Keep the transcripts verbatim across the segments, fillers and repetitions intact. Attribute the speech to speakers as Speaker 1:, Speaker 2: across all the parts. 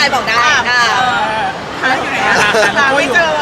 Speaker 1: อะไรบอกได้อ่า
Speaker 2: หาอยู่ไหนอะหาไม่เจอ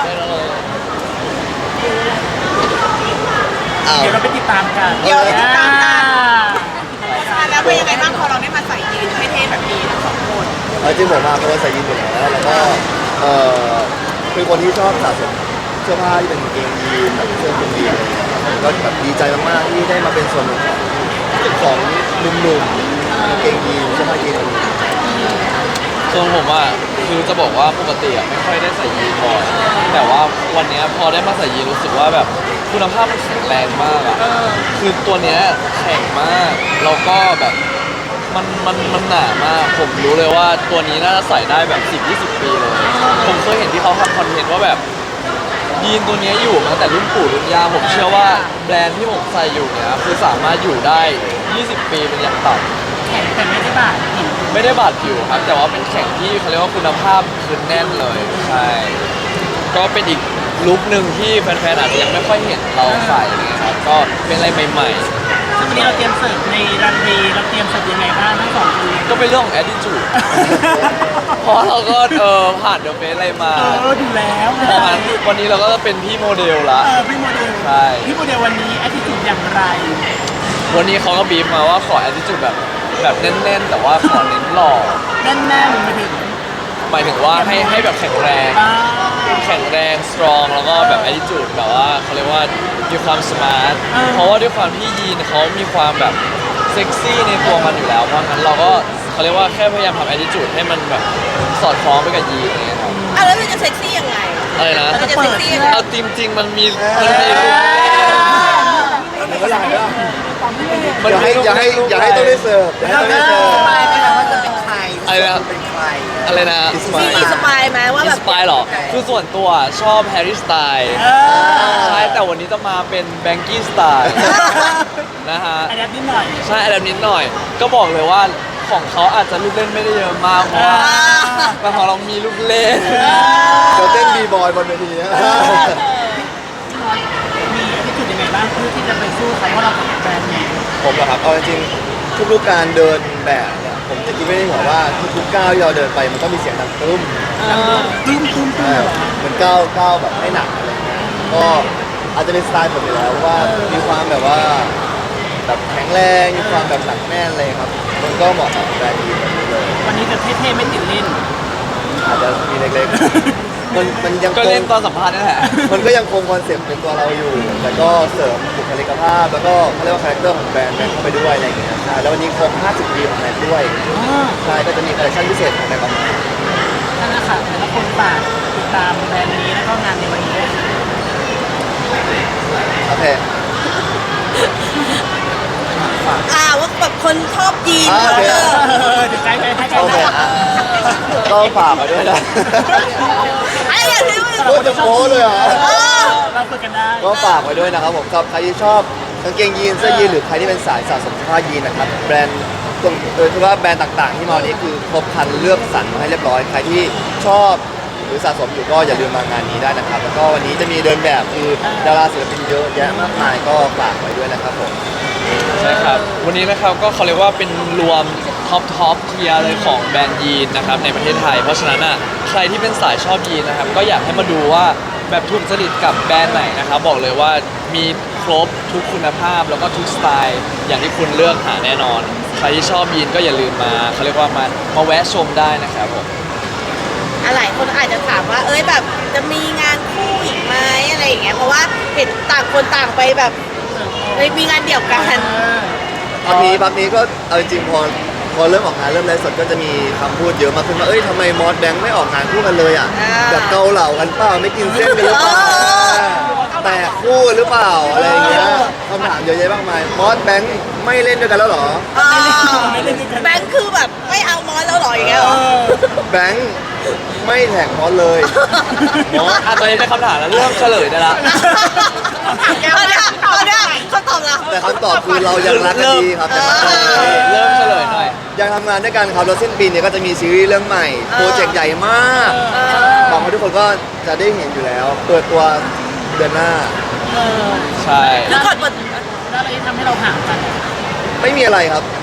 Speaker 2: เดี๋ยวเราไปติดตามกันเดี๋ยวไปติดตามกันแล้วเป็นยังไงบ้างพอเราได้มาใส่ยีนเท่ๆแบบนี้ทั้งสองคน
Speaker 3: จริงผมมาเป็นคนใส่ยีนอยู่แล้วแล้วก็เออเป็นคนที่ชอบสะสมเสื้อผ้าที่เป็นเกงยีนแบบเสื้อคลุมยีนอะไรเงี้ยก็แบบดีใจมากๆที่ได้มาเป็นส่วนหนึ่งของของหนุ่มๆเกงยีนเสื้อผ้ายีน
Speaker 4: ส่วนผมอ่ะคือจะบอกว่าปกติอ่ะไม่ค่อยได้ใส่ยีนบ่อยแต่ว่าวันนี้พอได้มาใส่ยีนรู้สึกว่าแบบคุณภาพมันแข็งแรงมากอ่ะคือตัวเนี้ยแข็งมากแล้วก็แบบมันมันมันหนามากผมรู้เลยว่าตัวนี้น่าจะใส่ได้แบบสิบยี่สิบปีเลยผมเคยเห็นที่เขาทำคอนเทนต์ว่าแบบยีนตัวนี้อยู่มาแต่รุ่นปู่รุ่นย่าผมเชื่อว่าแบรนด์ที่ผมใส่อยู่เนี่ยคือสามารถอยู่ได้ยี่สิบปีเป็นอย่างต่ำ
Speaker 2: แข็งแต่ไม่ได้บาดผิว
Speaker 4: ไม่ได้บาดผิวครับแต่ว่าเป็นแข็งที่เขาเรียกว่าคุณภาพคือแน่นเลยใช่ก็เป็นอีกลุคหนึ่งที่แฟนๆอาจจะยังไม่ค่อยเห็นเราใส่นะครับก็เป็นอะไรใหม่ๆ
Speaker 2: ซึ่งวันนี้เราเตรียมเสิร์ฟในรันเวย์เราเตรียมเสิร์ฟยังไงบ้างทั้งสองคน
Speaker 4: ก็เป็นเรื่องของ attitude เพราะเราก็เออผ่านเดอะเฟสอะไรมา
Speaker 2: เออดูแล้ว
Speaker 4: เพราะงั้นวันนี้เราก็จะเป็นพี่โมเดลละ
Speaker 2: เออพี่โมเดล
Speaker 4: ใช่
Speaker 2: พี่โมเดลวันนี้ attitude อย่างไร
Speaker 4: วันนี้เขาก็บีบมาว่าขอ attitude แบบแบบแน่นๆแต่ว่าขอเน้นหล่อ
Speaker 2: แน่นๆมาถึง
Speaker 4: หมายถึงว่าให้ให้แบบแข็งแรงแข็งแรง strong แล้วก็แบบ attitude แบบว่าเขาเรียกว่ามีความ smart เพราะว่าด้วยความที่ยีนเขามีความแบบเซ็กซี่ในตัวมันอยู่แล้วเพราะงั้นเราก็เขาเรียกว่าแค่พยายามทำ attitude ให้มันแบบสอดคล้องไปกับยีนอย่างเงี้ยครับ
Speaker 1: อ่ะแล้วมันจะเซ็กซี่ยังไง
Speaker 4: อะไรนะ
Speaker 1: มันจะเซ็กซี่ยังไง
Speaker 4: เอาจริงๆมันมีมันมี
Speaker 3: เมื่อไหร่ล่ะอย่าให้อย่าให้อย่าให้ต้องได้เสิร์ฟอย่าให้ต้องได้เสิร์ฟ
Speaker 1: สปายไหมคะว่าจะเป็นใคร
Speaker 4: อะไรนะ
Speaker 1: เป็นใคร
Speaker 4: อะไรนะ
Speaker 1: มีอินสปายไหมว่าแบบ
Speaker 4: อินสปายหรอคือส่วนตัวชอบแฮร์รี่สไตล์ใช่แต่วันนี้จะมาเป็นแบงกี้สไตล์นะฮะ
Speaker 2: อันนี้นิดหน่อย
Speaker 4: ใช่อันนี้นิดหน่อยก็บอกเลยว่าของเขาอาจจะลูกเล่นไม่ได้เยอะมากเพราะว่าแต่ของเรามีลูกเล่น
Speaker 3: เดี๋ยวเต้นบีบอยบนเวทีนะ
Speaker 2: มีที่จุดยังไงบ้างเพื่อที่จะไปสู้เขาว่าเราเป็นแบรนด์นี้
Speaker 3: ผมเหรอครับเอาจริงๆทุกๆการเดินแบบเนี่ยผมจะคิดไม่ได้หัวว่าทุกๆก้าวที่เราเดินไปมันต้องมีเสียงดังตุ้ม
Speaker 2: ตุ้มตุ้มตุ้ม
Speaker 3: เหมือนก้าวก้าวแบบไม่หนักอะไรเงี้ยก็อาจจะเป็นสไตล์ผมอยู่แล้วว่ามีความแบบว่าแบบแข็งแรงมีความแบบหนักแน่นเลยครับมันก็เหมาะกับแบรนด์นี้เลย
Speaker 2: วันนี้จะเท่ๆไม่ติดลิ้น
Speaker 3: อาจจะมีเล็กๆมันมันยัง
Speaker 4: ก็เล่นตอนสัมภาษณ์นี่แหละ
Speaker 3: มันก็ยังคงคอนเซ็ปต์เป็นตัวเราอยู่แต่ก็เสริมบุคลิกภาพแล้วก็เขาเรียกว่าคาแรคเตอร์ของแบรนด์แบรนด์เข้าไปด้วยอะไรอย่างเงี้ยใช่แล้ววันนี้ครบห้าสิบปีของแบรนด์ด้วยใช่ก็จะมีคอลเลคชั่นพิเศษของแบรนด์ออกมา
Speaker 2: นั่นแหละค่ะแต่ละคนฝากติดตามแบรนด์นี้แล้วก็งานในวันนี้ด้วย
Speaker 3: โอเค
Speaker 1: อ่าว่าแบบคนชอบยีน
Speaker 3: โอเค
Speaker 2: เดี๋ยวใกล้ใกล้ใกล้
Speaker 3: โอเคก็ฝากมาด้วยนะ
Speaker 1: ไอ้อย่างนี้
Speaker 3: โคตรจะโค้เลยเหรอ
Speaker 2: เราคุยกันได้
Speaker 3: ก็ฝากไว้ด้วยนะครับผมสำหรับใครที่ชอบกางเกงยีนเสื้อยีนหรือใครที่เป็นสายสะสมเสื้อผ้ายีนนะครับแบรนด์โดยเฉพาะแบรนด์ต่างๆที่มาวันนี้คือครบครันเลือกสรรมาให้เรียบร้อยใครที่ชอบหรือสะสมอยู่ก็อย่าลืมมางานนี้ได้นะครับแล้วก็วันนี้จะมีเดินแบบคือดาราศิลปินเยอะแยะมากมายก็ฝากไว้ด้วยนะครับผม
Speaker 4: ใช่ครับวันนี้นะครับก็เขาเรียกว่าเป็นรวมท็อปท็อปเทียร์เลยของแบรนด์ยีนนะครับในประเทศไทยเพราะฉะนั้นอ่ะใครที่เป็นสายชอบยีนนะครับก็อยากให้มาดูว่าแบบถูกจริตกับแบรนด์ไหนนะครับบอกเลยว่ามีครบทุกคุณภาพแล้วก็ทุกสไตล์อย่างที่คุณเลือกหาแน่นอนใครที่ชอบยีนก็อย่าลืมมาเขาเรียกว่ามามาแวะชมได้นะครับผม
Speaker 1: หลายคนอาจจะถามว่าเอ้ยแบบจะมีงานคู่อีกไหมอะไรอย่างเงี้ยเพราะว่าเห็นต่างคนต่างไปแบบเฮ้ยมีงานเดี่ยวกัน
Speaker 3: พักนี้พักนี้ก็เอาจริงพอพอเริ่มออกงานเริ่มไลฟ์สดก็จะมีคำพูดเยอะมากขึ้นว่าเอ้ยทำไมมอสแบงค์ไม่ออกงานคู่กันเลยอ่ะแบบเกาเหล่ากันเปล่าไม่กินเส้นกันหรือเปล่าแต่คู่หรือเปล่าอะไรอย่างเงี้ยคำถามเยอะแยะมากมายมอสแบงค์ไม่เล่นด้วยกันแล้วหรอ
Speaker 1: แบงค์คือแบบไม่เอามอสแล้วหรออย่างเงี้ยหรอ
Speaker 3: แบงค์ไม่แท็กมอสเลย
Speaker 4: มอสอ่ะตอนนี้เป็นคำถามแล้วเริ่มเฉลยได้ละ
Speaker 1: ถามแกว่าเนี่ยตอนเนี้ยเขาตอบเรา
Speaker 3: แต่คำตอบคือเรายังรักกันดีครับ
Speaker 4: เริ่มเฉลยหน่อย
Speaker 3: ยังทำงานด้วยกันครับแล้วสิ้นปีนี้ก็จะมีซีรีส์เรื่องใหม่โปรเจกต์ใหญ่มากหวังว่าทุกคนก็จะได้เห็นอยู่แล้วเปิดตัวเดือนหน้า
Speaker 4: ใช่
Speaker 2: แล้วก่อนเปิดแล้วอะไรทำให้เราห่างกัน
Speaker 3: ไม่มีอะไรครับ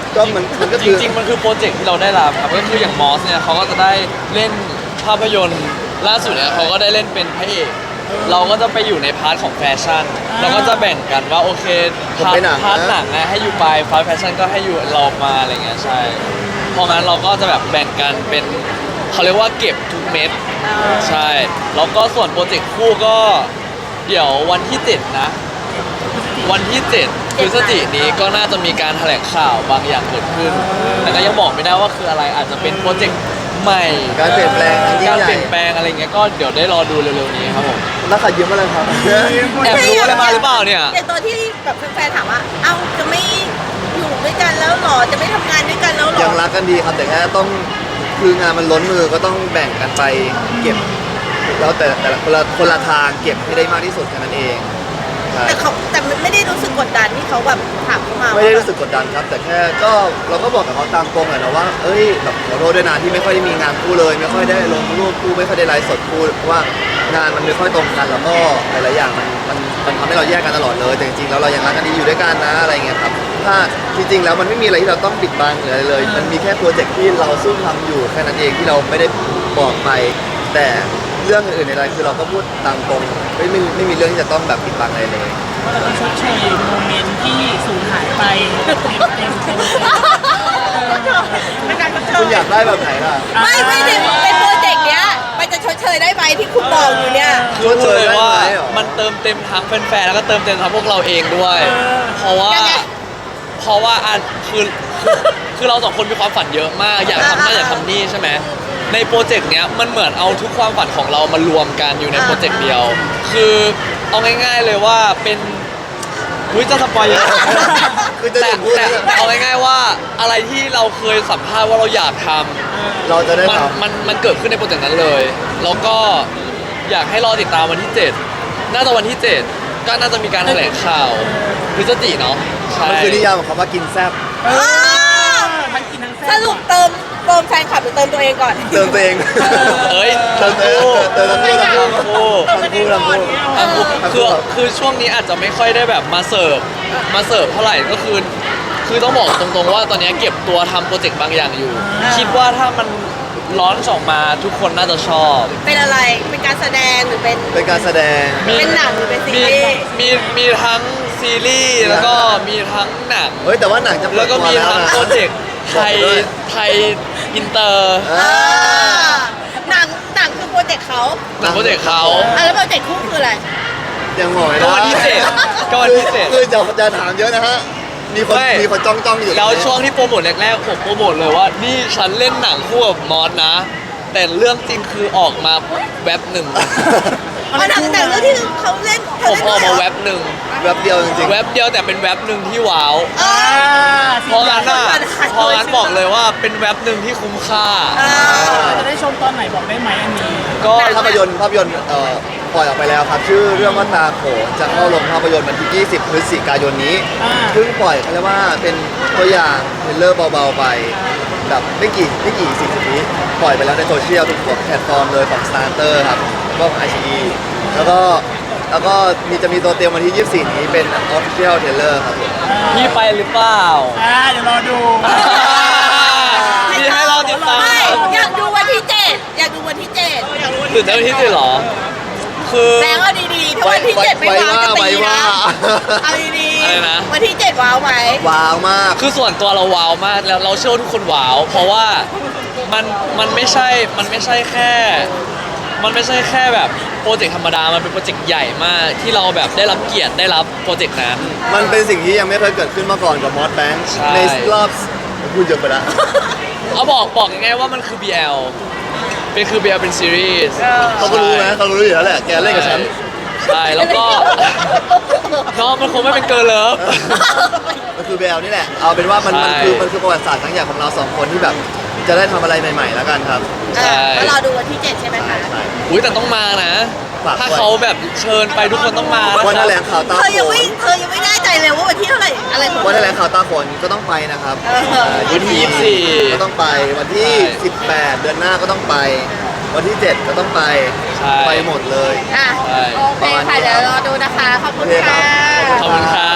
Speaker 3: ก็มันมันก็
Speaker 4: จ
Speaker 3: คือ
Speaker 4: ริงๆมันคือโปรเจกต์ที่เราได้รับครับก็คืออย่างมอสเนี่ยเขาก็จะได้เล่นภาพยนตร์ล่าสุดเนี่ยเขาก็ได้เล่นเป็นพระเอกเราก็จะไปอยู่ในพาร์ทของแฟชั่นเราก็จะแบ่งกันว่าโอเคพาร์ทพาร์ทหนังนะให้อยู่ไปพาร์ทแฟชั่นก็ให้อยู่เรามาอะไรเงี้ยใช่เพราะงั้นเราก็จะแบบแบ่งกันเป็นเขาเรียกว่าเก็บทุกเม็ดใช่แล้วก็ส่วนโปรเจกต์คู่ก็เดี๋ยววันที่เจ็ดนะ วันที่เจ็ดพฤศจิกายนนี้ก็น่าจะมีการแถลงข่าวบางอย่างเกิดขึ้น แต่ก็ยังบอกไม่ได้ว่าคืออะไรอาจจะเป็นโปรเจกต์ใหม่
Speaker 3: การเปลี่ยนแปลงอันยิ่
Speaker 4: กาง ร
Speaker 3: ใหญ่
Speaker 4: เปลี่ยนแปลงอะไรเงี้ยก็เดี๋ยวได้รอดูเร็วๆนี้ครับผม
Speaker 3: นักขัดยืมอะไรครับ
Speaker 4: แอบรู้อะไรมาหรือเปล่าเนี่ย
Speaker 1: อย่างตอนที่แบบแฟนๆถามว่า เอ้าจะไม่อยู่ด้วยกันแล้วหรอ จะไม่ทำงานด้วยกันแล้วหรอ
Speaker 3: ยังรักกันดีครับแต่แค่ต้องคืองานมันล้นมือก็ต้องแบ่งกันไปเก็บ แล้วแต่แต่ละคนละคนละทางเก็บให้ได้มากที่สุดแค่นั้นเองใช่
Speaker 1: แต่เขาแต่ไม่ได้รู้สึกกดดันที่เขาแบบถามเข้ามา
Speaker 3: ไม่ได้รู้สึกกดดันครับ แต่แค่ก็เราก็บอกกับเขาตามตรงแหละนะว่าเอ้ยแบบขอโทษด้วยนะที่ไม่ค่อยได้มีงานคู่เลย ไม่ค่อยได้ลงรูปคู่ไม่ค่อยได้ไลฟ์สดคู่เพราะว่างานมันไม่ค่อยตรงกันแล้วก็หลายๆอย่างมันมันมันทำให้เราแยกกันตลอดเลยแต่จริงๆแล้วเรายังรักกันดีอยู่ด้วยกันนะอะไรเงี้ยครับถ้าจริงๆแล้วมันไม่มีอะไรที่เราต้องปิดบังหรืออะไรเลย มันมีแค่โปรเจกต์ที่เราซุ่มทำอยู่แค่นั้นเองที่เราไม่ได้บอกไป แต่เรื่องอื่นๆในไลฟ์คือเราก็พูดตามตรงไม่ไม่ไม่มีเรื่องที่จะต้องแบบปิดบังอะไรเลย
Speaker 5: ก็เราต้องชดเชยโมเมนต์ที่สูญหายไปเต็มเต็มเต็มเต็ม
Speaker 2: ไม่การก็เจ
Speaker 3: คุ
Speaker 2: อ
Speaker 3: ณอยากได้แบบไหนล่ะ
Speaker 1: ไม่ไม่ได้เป็นโปรเจกต์เนี้ยมันจะชดเชยได้ไหมที่คุณบอกอยู่เนี่ย
Speaker 4: คือพูดเลยว่า
Speaker 3: ได้ไหมเหรอ
Speaker 4: มันเติมเต็มทั้งแฟนๆแล้วก็เติมเต็มทั้งพวกเราเองด้วย เพราะว่า
Speaker 1: ยังไง
Speaker 4: เพราะว่าอันคือคือคือเราสองคนมีความฝันเยอะมาก อยากทำนั่นอยากทำนี่ใช่ไหมในโปรเจกต์เนี้ยมันเหมือนเอาทุกความฝันของเรามารวมกันอยู่ในโปรเจกต์เดียว คือเอาง่ายๆเลยว่าเป็นวิจะสปอยเยอะ
Speaker 3: คือจะ
Speaker 4: แต่
Speaker 3: ถึงพูด
Speaker 4: แต่
Speaker 3: แล้ว
Speaker 4: แต่เอาง่ายๆว่าอะไรที่เราเคยสัมภาษณ์ว่าเราอยากทำ
Speaker 3: เราจะได้
Speaker 4: มัน
Speaker 3: ทำ
Speaker 4: มันมันเกิดขึ้นในโปรเจกต์นั้นเลย แล้วก็อยากให้รอติดตามวันที่เจ็ดน่าจะวันที่เจ็ดก็น่าจะมีการแถลงข่าวพฤศจิเนาะใช่
Speaker 3: มันคือนิยามของคำว่ากินแซ่บ
Speaker 5: เอ
Speaker 1: อ้าว
Speaker 5: อทั้งกินทั้ง
Speaker 1: ส
Speaker 5: แซ่บ
Speaker 1: รุปเติมเติมแฟนคลับหรือเติมตัวเองก่อน
Speaker 3: เติมตัวเอง
Speaker 4: เอ้ย
Speaker 3: เติมตัวเองเติมทั้งคู่ทั้งคู่
Speaker 4: ทั้งคู่
Speaker 3: ทั้งคู่ทั้งคู่
Speaker 4: ทั้งคู่คือคือช่วงนี้อาจจะไม่ค่อยได้แบบมาเสิร์ฟมาเสิร์ฟเท่าไหร่ก็คือ คือต้องบอกตรงๆว่าตอนนี้เก็บตัวทำโปรเจกต์บางอย่างอยู่ คิดว่าถ้ามันร้อนออกมาทุกคนน่าจะชอบ
Speaker 1: เป็นอะไร เป็นการแสดงหรือเป็น
Speaker 3: เป็นการแสดง
Speaker 1: เป็นหนังหรือเป็นซี
Speaker 4: มี
Speaker 1: รีส์
Speaker 4: มีมีทั้งซีรีส์แล้วก็มีทั้งหนัง
Speaker 3: เฮ้ยแต่ว่าหนังจะเปิ
Speaker 4: แล้
Speaker 3: ด
Speaker 4: วก็
Speaker 3: ตัว
Speaker 4: มี
Speaker 3: แล้ว
Speaker 4: ทั้ง
Speaker 3: นะ
Speaker 4: โปรเจกต์ไทย
Speaker 3: บอกด้วย
Speaker 4: ไทยอินเตอร์
Speaker 3: อ่า
Speaker 1: อ่าหนังหนังคือโปรเจกต์เขา
Speaker 4: หนังโปรเจกต์เขา
Speaker 1: อ่ะแล้วโปรเจกต์คู่คืออะไร
Speaker 3: ยังบอกไม่
Speaker 4: ก็
Speaker 3: ได้
Speaker 4: วันที่เจ็ดก็วันที่เจ็ด
Speaker 3: คือจะจะถามเยอะนะฮะมีคน
Speaker 4: ไม่
Speaker 3: มีคนจ้องจ้องๆอยู่
Speaker 4: แล้วช่วงที่โปรโมทแรกๆผมโปรโมทเลยว่า นี่ฉันเล่นหนังคู่กับมอสนะ แต่เรื่องจริงคือออกมาแวบหนึ่ง
Speaker 1: อ๋อหนังแต่เรื่องที่เขาเล่น
Speaker 4: ผมออกมา
Speaker 1: เล่
Speaker 4: แวน
Speaker 1: ด้วย
Speaker 4: บหนึ่ง
Speaker 3: แวบเดียวจริง
Speaker 4: แวบเดียวแต่เป็นแวบหนึ่งที่ว้าว
Speaker 1: เหรอ
Speaker 5: อ่า
Speaker 4: เพราะงั้นอ่ะเพราะงั้นบอกเลยว่าเป็นแวบหนึ่งที่คุ้มค่า
Speaker 1: อ่า
Speaker 5: จะได้ชมตอนไหนบอกได้ไหมอันนี้
Speaker 4: ก็
Speaker 3: ๆภาพยนตร์ภาพยนตร์เอ่อปล่อยออกไปแล้วครับ ชื่อเรื่องว่าตาโขนจะเข้าลงภาพยนตร์วันที่ ยี่สิบ พฤศจิกายนนี้
Speaker 5: อ่า
Speaker 3: เพิ่งปล่อยเขาเรียกว่าเป็นตัวอย่างเทรลเลอร์เบาๆไปแบบไม่กี่ไม่กี่สิบวิปล่อยไปแล้วในโซเชียลทุกแพลตฟอร์มเลยของ Starter ครับก็ของ ไอ ซี อี แล้วก็แล้วก็มีจะมีตัวเตรียมวันที่ ยี่สิบสี่ นี้เป็น Official Trailer ครับผม
Speaker 4: พี่ไปหรือเปล่า
Speaker 5: อ่าเดี๋ยวรอดู
Speaker 4: พี่ให้เราติดตาม
Speaker 1: ไม่อยากดูวันที่เจ็ดอยากดูวันที่เจ็ด
Speaker 4: ตื่นเต้นที่สุดเหรอ คือ
Speaker 1: แบงค์เอาดีๆถ้าวันที่เจ็ดไม่ว้าวจะตีนะเอาดี
Speaker 4: อะไรนะ
Speaker 1: ๆวันที่เจ็ดว้าวไหม
Speaker 3: ว้าวมาก
Speaker 4: คือส่วนตัวเราว้าวมากแล้วเราเชื่อว่าทุกคนว้าว เพราะว่ามันมันไม่ใช่มันไม่ใช่แค่ มันไม่ใช่แค่แบบโปรเจกต์ธรรมดา มันเป็นโปรเจกต์ใหญ่มากที่เราแบบได้รับเกียรติได้รับโปรเจกต์นั้น
Speaker 3: มันเป็นสิ่งที่ยังไม่เคยเกิดขึ้นมาก่อนกับมอสแบงค์
Speaker 4: ใช่
Speaker 3: ในรอบพูดเยอะไปแล้ว
Speaker 4: เอาบอกบอกง่ายๆว่ามันคือ บี แอล เป็นคือ บี แอล เป็นซีรีส์
Speaker 3: เขาก็รู้นะเขารู้อยู่แล้วแหละแกเล่นกับฉัน
Speaker 4: ใช่แล้วก็ น้องมันคงไม่เป็นเกิร์ลเลิฟ
Speaker 3: มันคือแบลนี่แหละ เอาเป็นว่ามันมัน
Speaker 4: ใช่
Speaker 3: คือมันคือประวัติศาสตร์ทั้งอย่างของเราสองคนที่แบบจะได้ทำอะไรใหม่ๆแล้วกันครับ
Speaker 4: ใช่
Speaker 1: ก็รอดูวันที่เจ็ดใช่ไหมคะ
Speaker 3: ใช่
Speaker 4: อุ้ยแต่ต้องมานะ
Speaker 3: ฝากไว้
Speaker 4: ถ้าเขาแบบเชิญไปทุกคนต้องมานะ
Speaker 3: วัน
Speaker 4: ค
Speaker 3: แถ
Speaker 4: รับ
Speaker 3: ลงข่าวตา
Speaker 1: เธอ
Speaker 3: โข
Speaker 1: ยัง
Speaker 3: น
Speaker 1: ไม่เธอยังไม่แน่ใจเลยว่าวันที่เท่าไหร่อะไรของ
Speaker 3: วันแถลงข่าวตาโขนก็ต้องไปนะครับ
Speaker 1: เออ
Speaker 3: อ่า
Speaker 4: วันที่ยี่สิบสี่
Speaker 3: ก็ต้องไปวันที่
Speaker 4: ใช่
Speaker 3: สิบแปด เดือนหน้าก็ต้องไป วันที่เจ็ดก็ต้องไป
Speaker 4: ใช่
Speaker 3: ไปหมดเลย
Speaker 1: อ่ะ
Speaker 4: ใช่
Speaker 1: โอเคค่ะเดี๋ยวรอดูนะคะ ขอบคุณค่ะ
Speaker 4: ขอบคุณครับฝาก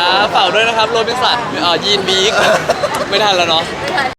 Speaker 4: ฝากด้วยนะครับโรบินสันเอ่อยีนบีกไม่ทันแล้วเนาะ